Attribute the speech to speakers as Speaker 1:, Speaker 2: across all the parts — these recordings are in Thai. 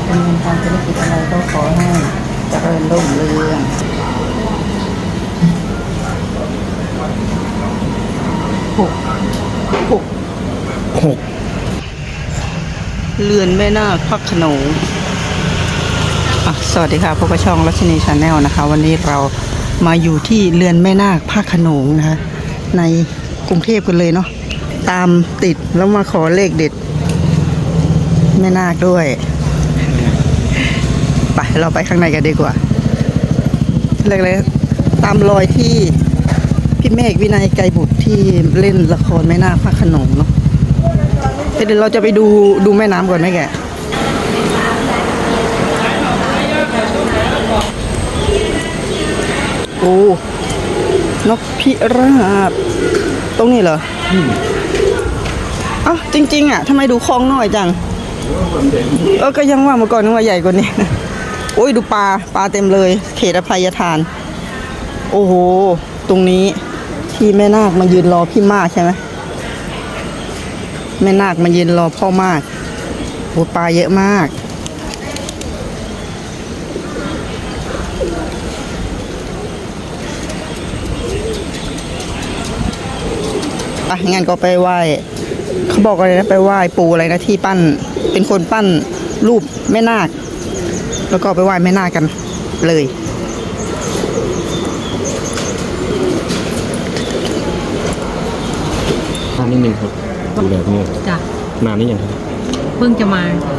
Speaker 1: ดำเนินการธุรกิจอะไรก็ขอให้เจริญรุ่งเรืองหกเรือนแม่นาคพระโขนงสวัสดีค่ะพบกับช่องรัชนีชาแนลนะคะวันนี้เรามาอยู่ที่เรือนแม่นาคพระโขนงนะคะในกรุงเทพกันเลยเนาะตามติดแล้วมาขอเลขเด็ดแม่นาคด้วยไปเราไปข้างในกันดีกว่าเลยตามรอยที่พี่เมฆวินัยไกรบุตรที่เล่นละครแม่นาคพระโขนงเนาะเดี๋ยวเราจะไปดูแม่น้ำก่อนไหมแกโอ้นกพิราบตรงนี้เหรออ้าวจริงๆอ่ะทำไมดูคลองน้อยจังก็ยังว่าเมื่อก่อนนึกว่าใหญ่กว่านี้โอ้ยดูปลาเต็มเลยเขตอภัยทานโอ้โหตรงนี้ที่แม่นาคมายืนรอพี่มากใช่ไหมแม่นาคมายืนรอพ่อมากโอ้ปลาเยอะมากงั้นก็ไปไหว้เขาบอกอะไรนะไปไหว้ปู่อะไรนะที่ปั้นเป็นคนปั้นรูปแม่นาคแล้วก็ไปไหว้แม่นาคกันเลย
Speaker 2: นิดนึงครับดูแลพี่จ้ะนานนี้ยังครับ
Speaker 3: เพิ่งจะมา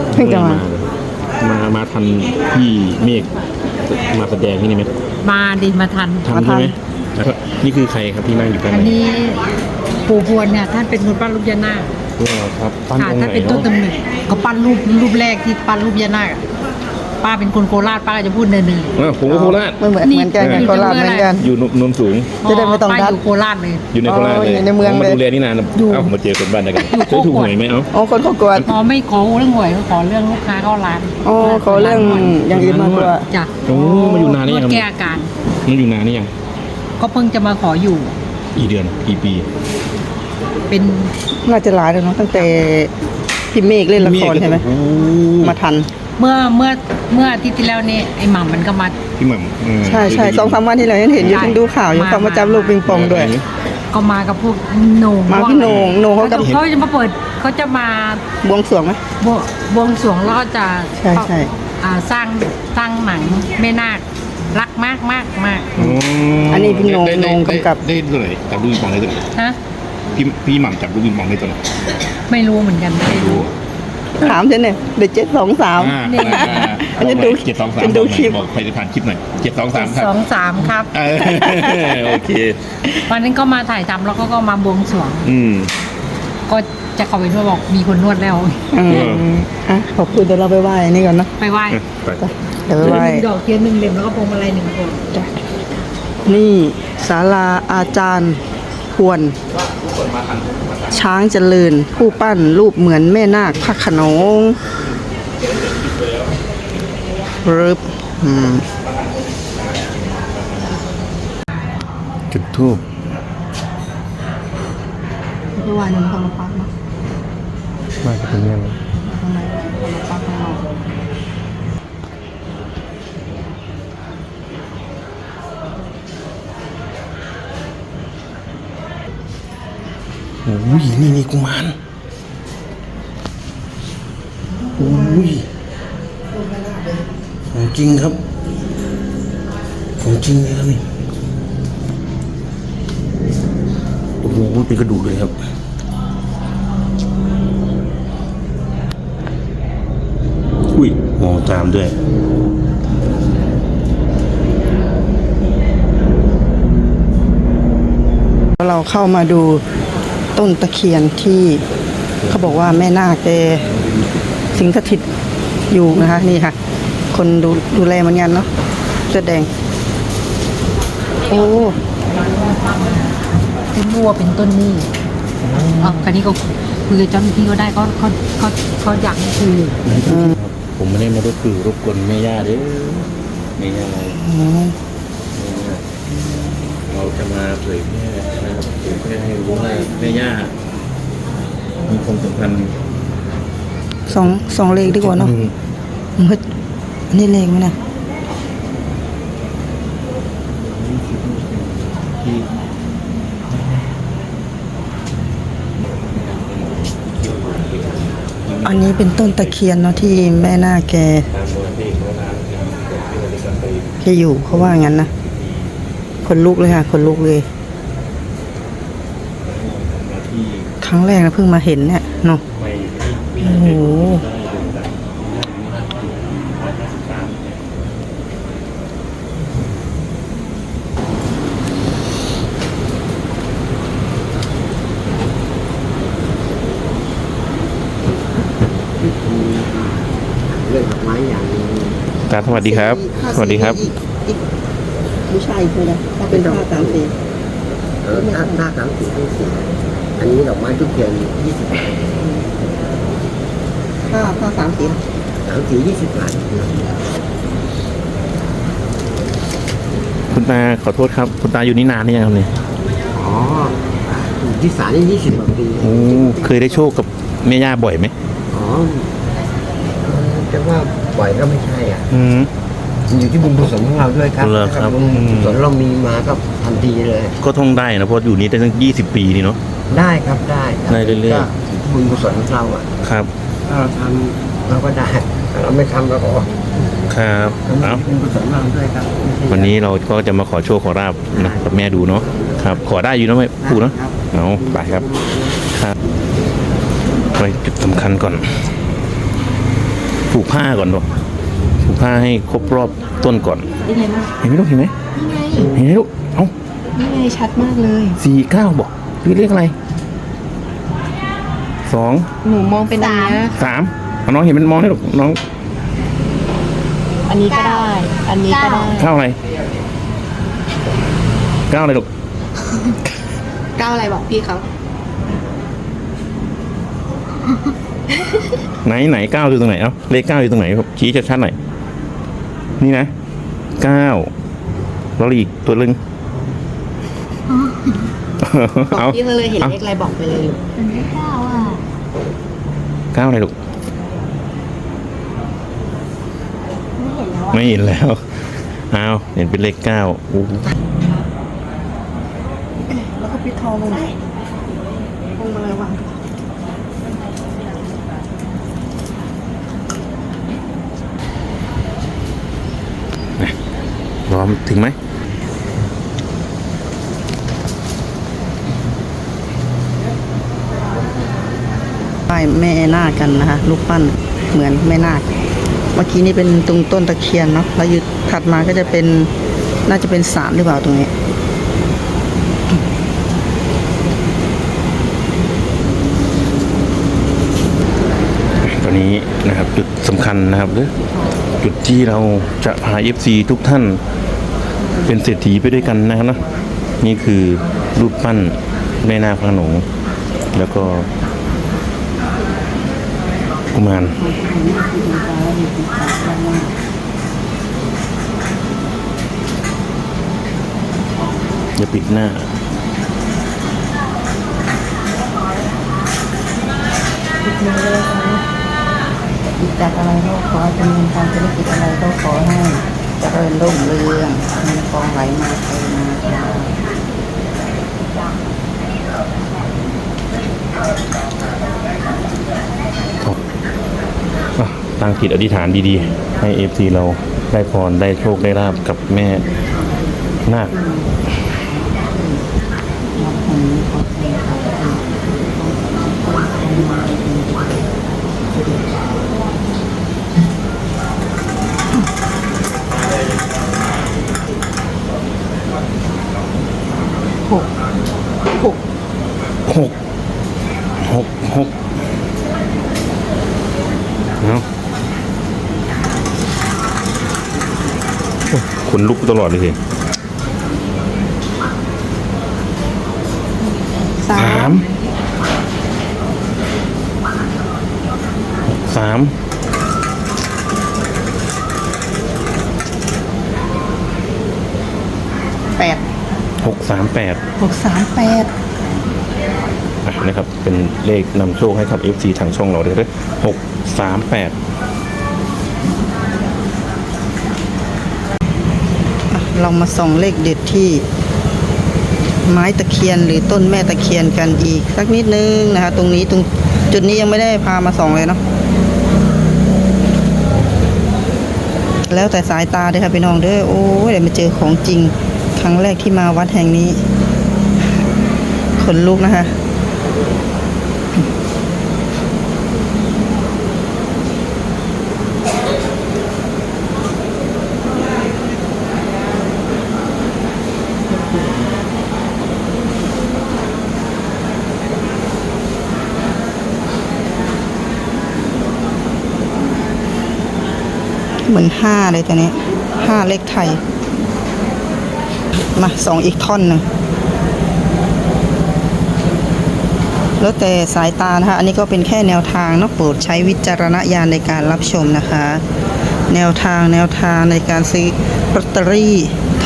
Speaker 2: มาทันพี่เมฆมาแสดงที่นี่ไหม
Speaker 3: มาทัน
Speaker 2: ใช่ไหมนี่คือใครครับที่นั่งอยู่กัน
Speaker 3: อันนี้ปู่พวนเนี่ยท่านเป็นคนปั้นรูปยานาค
Speaker 2: ครับปั้นองค์ไหน
Speaker 3: ท่านเป็นต้นกำเนิดเขาปั้นรูปแรกที่ปั้นรูปยานาคป้าเป็นคนโคราชป้าจะพูดเนิน
Speaker 2: ผมก็โคราช
Speaker 1: เหมือนกันโคราชเหมือนกัน
Speaker 2: อยู่นนสูง
Speaker 1: จะได้ไม่ต้องดัด
Speaker 3: อยู่โคราชเลย
Speaker 2: อยู่ในโคราชเลย
Speaker 1: ในเมืองเลย
Speaker 2: มาดูแลนี่นานผมมาเจอคนบ้านกันเคยถูกหวยไหม
Speaker 1: คนเขากวด
Speaker 3: ไม่ขอเรื่องหวยขอเรื่องลูกค้าเข้าร้าน
Speaker 1: ขอเรื่องอย่างอื่นมากกว่า
Speaker 3: จ้ะ
Speaker 2: มาอยู่นานนี่ยัง
Speaker 3: แก้อาการ
Speaker 2: มาอยู่นานนี่ยัง
Speaker 3: ก็เพิ่งจะมาขออยู่
Speaker 2: กี่เดือนกี่ปี
Speaker 3: เป็น
Speaker 1: น่าจะหลายแล้วเนาะตั้งแต่พี่เมฆเล่นละครใช่ไหมมาทัน
Speaker 3: เมื่ออาทิตย์ที่แล้วนี่ไอ้หม่ำมันก็มา
Speaker 2: พี่หม่ำ
Speaker 1: ใช่2-3 วันที่เราเห็นอยู่ดูข่าวอยู่เขามาจับลูกปิงปองด้วย
Speaker 3: ก็มากับพวกโหน่ง
Speaker 1: มาพี่โหน่งเขา
Speaker 3: จะมาเปิดเขาจะมา
Speaker 1: บวงสรวงไหม
Speaker 3: บวงสรวงแล้วก็จะ
Speaker 1: ใช่
Speaker 3: สร้างหนังแม่นาครักมาก
Speaker 1: อันนี้พี่โหน่งกำกับ
Speaker 2: ได้ตัวไหนจับลูกปิงปองได้ตัวไหน
Speaker 3: ฮะ
Speaker 2: พี่หม่ำจับลูกปิงปองได้ตัวไหน
Speaker 3: ไม่รู้เหมือนกันไม่รู้
Speaker 1: ถามฉันเนี่ยเด็ก723อันนี้ดู
Speaker 2: 723ดูคลิปบอกใครจะผ่านคลิปหน่อย723ครับ
Speaker 3: 23ครับ
Speaker 2: โอเค
Speaker 3: วันนั้นก็มาถ่ายทำแล้วก็มาบวงสรวงก็จะเข้าไปด้วยบอกมีคนนวดแล้ว
Speaker 1: ขอบคุณเดี๋ยวเราไปไหว้นี่ก่อนนะ
Speaker 3: ไปไหว้
Speaker 1: เดี๋ยวไปไหว้
Speaker 3: ดอกเทียน1 เล่มแล้วก็พวงมาลัย1 พวง
Speaker 1: นี่ศาลาอาจารย์พวนช้างเจริญผู้ปั้นรูปเหมือนแม่นาคพระโขนง
Speaker 2: จุดทูบ
Speaker 1: เมื่อวานนึงเขามาปักเนาะ
Speaker 2: มาจากตรงนี้เลย
Speaker 1: ข้างในเขามาปักข้างนอก
Speaker 2: โอ้ยนี่กุมารโอ้ยของจริงครับของจริงเลยครับนี่โอ้โหเป็นกระดูกเลยครับอุ้ยมองตามด้วย
Speaker 1: เราเข้ามาดูต้นตะเคียนที่เขาบอกว่าแม่นาคแกสิงสถิตอยู่นะคะนี่ค่ะคนดูแลมันยันเนาะเสื้อแดงโอ้
Speaker 3: เป็นบัวเป็นต้นนี่คราวนี้ก็คุยกับเจ้าหน้าที่ก็ได้เขาอยากให้คุย
Speaker 2: ผมไม่ได้มารบกวนแม่ย่าเด้อแม่ย่าเราจะมาเผยแพร่นะครับเผยแพร่ให้รู้ว่าแม่ย่ามีความสำคัญ
Speaker 1: สองเลขดีกว่าเนาะมืดนี่เลงไหมนะ
Speaker 2: ที่
Speaker 1: อันนี้เป็นต้นตะเคียนเนาะที่แม่นาคแก
Speaker 2: ตามมูลนิธิพระนามที่
Speaker 1: แกอยู่เขาว่างั้นนะคนลุกเลยค่ะคนลุกเลย
Speaker 2: มาที่
Speaker 1: ครั้งแรกนะเพิ่งมาเห็นเนี่ยเนาะ
Speaker 2: ไป
Speaker 1: โอ้โห
Speaker 4: เรื่องดอกไม้อย่างหนึง
Speaker 2: ตาสวัสดีครับ สวัสดีครับ
Speaker 1: อีกผู้ชายอีกคนนะถ้าเป็นผ้าสามสี
Speaker 4: ถ้าสามสิบทั้งสี่อันนี้ดอกไม้ทุกเทียน20 บาท
Speaker 1: ผ้าสามสี
Speaker 4: 20 บาท
Speaker 2: คุณตาขอโทษครับ คุณตาอยู่นี่นานหรือยังครับเนี่ย
Speaker 4: อ๋ออยู่ที่ศาลนี่20 กว่าปี
Speaker 2: โอ้เคยได้โชคกับแม่ย่าบ่อยไหม
Speaker 4: อ๋อจะว่าบ่อยก็ไม่ใช่อ่ะ
Speaker 2: อืม
Speaker 4: มันอยู่ที่บุญกุศลของเราด้วยครับ
Speaker 2: เหรอครับ
Speaker 4: บุญกุศลเรามีมาก็ทันทีเลย
Speaker 2: ก็ท่องได้นะเพราะอยู่นี่ได้ตั้ง20 ปีนี่เนาะ
Speaker 4: ได้ครับได้คบ
Speaker 2: ได้เรื่อยๆ
Speaker 4: ก็อยู่ที่บุญกุศลของเราอ่ะ
Speaker 2: ครับ
Speaker 4: ถ้าเราทำเราก็ได้ถ้าเราไม่ทำเราก็
Speaker 2: ครับ
Speaker 4: เอา
Speaker 2: เอา
Speaker 4: บุญกุศลของเราด้วยครับไม่ใช่
Speaker 2: วันนี้เราก็จะมาขอโชคขอราบนะกับแม่ดูเนาะครับ ขอได้อยู่นะไม่พูดเนาะเอาไปครับครับไปจุดสำคัญก่อนผูกผ้าก่อนเนาะผูกผ้าให้ครบรอบต้นก่อน
Speaker 3: นี่ไงมาก
Speaker 2: เห็นไหมลูกเห็นไหม
Speaker 3: นี่ไง
Speaker 2: เห็นไหมลูกเอ้า
Speaker 3: นี่ไงชัดมากเลย
Speaker 2: 49บอกหรือเลขอะไร2
Speaker 3: หนูมองเป็นอันเนี้ย
Speaker 2: 3เอาน้องเห็นมันมองให้ลูกน้อง
Speaker 3: อันนี้ก็ได้ อันนี้ก็ได้
Speaker 2: 9อะไร9อะไรลูก
Speaker 3: ก้าวอะไรบอกพี่เขา
Speaker 2: ไหน9อยู่ตรงไหนเอ้าเลข9อยู่ตรงไหนครับชี้ชัดๆหน่อยนี่นะ9แล้วอีกตัวนึง
Speaker 3: บอก
Speaker 2: เอา
Speaker 3: พี่เขาเลยเห็นเลขอะไรบอกไปเลย
Speaker 2: 9อะไรลูกไม่เห็นแล้วเอาเห็นเป็นเลข9โอ้โห
Speaker 1: แล้วก็ปิดทองลงไหนลงมาเลยวาง
Speaker 2: พร้อมถึงไหม
Speaker 1: ป้ายแม่นาคกันนะคะรูปปั้นเหมือนแม่นาคเมื่อกี้นี่เป็นตรงต้นตะเคียนเนาะแล้วอยู่ถัดมาก็จะเป็นน่าจะเป็นศาลหรือเปล่าตรงนี้
Speaker 2: ตอนนี้นะครับจุดสำคัญนะครับหรือจุดที่เราจะพา FC ทุกท่านเป็นเศรษฐีไปด้วยกันนะครับนะนี่คือรูปปั้นแม่นาคพระโขนงแล้วก็กุมารอย่าปิดหน้า
Speaker 1: จากอะไรก็ขอจำเนินการธุรกิจอะไรก็ขอให้เจริญรุ่งเรืองเงินทองไหลมาเทมาค่ะ
Speaker 2: ตั้งจิตอธิษฐานดีๆ ให้ FC เราได้พรได้โชคได้ลาบกับแม่นาคหกเนาะขนลุกตลอดเลยสิ
Speaker 1: สาม
Speaker 2: 3
Speaker 1: แปด
Speaker 2: 638
Speaker 1: 638
Speaker 2: นะครับเป็นเลขนำโชคให้กับ FC ทางช่องเราเลย638
Speaker 1: เรามาส่องเลขเด็ดที่ไม้ตะเคียนหรือต้นแม่ตะเคียนกันอีกสักนิดนึงนะคะตรงนี้ตรงจุดนี้ยังไม่ได้พามาส่องเลยเนาะแล้วแต่สายตาเด้อค่ะพี่น้องเด้อโอ้ยเดี๋ยวมาเจอของจริงครั้งแรกที่มาวัดแห่งนี้ขนลุกนะคะเหมือนห้าเลยตัวนี้ห้าเลขไทยมาสองอีกท่อนหนึ่งแล้วแต่สายตานะคะอันนี้ก็เป็นแค่แนวทางเนาะโปรดใช้วิจารณญาณในการรับชมนะคะ แนวทางในการซื้อลอตเตอรี่ท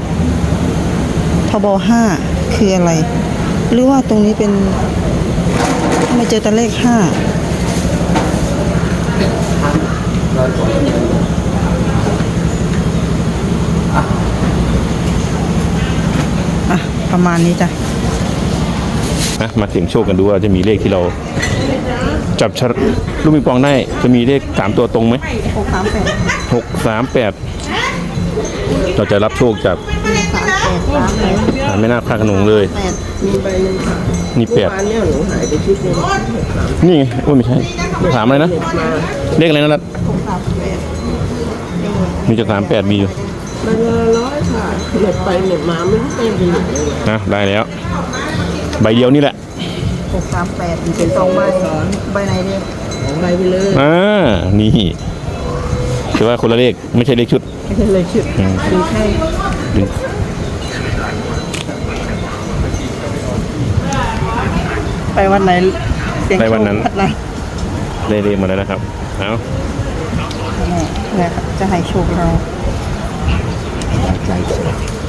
Speaker 1: บห้าคืออะไร หรือว่าตรงนี้เป็นไม่เจอแต่เลขห้าอ่ะประมาณนี้จ้ะ
Speaker 2: นะมาเสี่ยงโชคกันดูว่าจะมีเลขที่เราจับลูกปิงปองได้จะมีเลข3ตัวตรงไหม638เราจะรับโชคจากไม่น่าพลาดขนงเลย
Speaker 4: มีใบหนึ่งค่ะ
Speaker 2: นี่8
Speaker 4: เมื่อวานเนี่ยหนูหายไปชุดหนึง6 3
Speaker 2: นี่ไงโอ้ยไม่ใช่ถามอะไรนะ
Speaker 4: มา
Speaker 2: เลขอะไรนะรัตมีจะ38มีอยู่
Speaker 4: ใบละ100ค่ะเหน็บไปเหน็บมาไม่รู้เป็นไปไหนเลย
Speaker 2: นะได้แล้ว ใบเดียวนี่แหละ
Speaker 1: 638เป็น2ใบใบไหนดี
Speaker 4: ของใบไปเลย
Speaker 2: นี่ถือว่าคนละเลขไม่ใช่เลขชุด
Speaker 4: ไม่ใช่เลยชุดดูแค่
Speaker 2: ดึง
Speaker 1: ไปวันไหนเสียงโชค
Speaker 2: ไปวันนั้น
Speaker 1: วัดไหน
Speaker 2: เลขมาแล้วนะครับเอา
Speaker 1: เนี่ยจะให้โชคเรา
Speaker 2: ใจ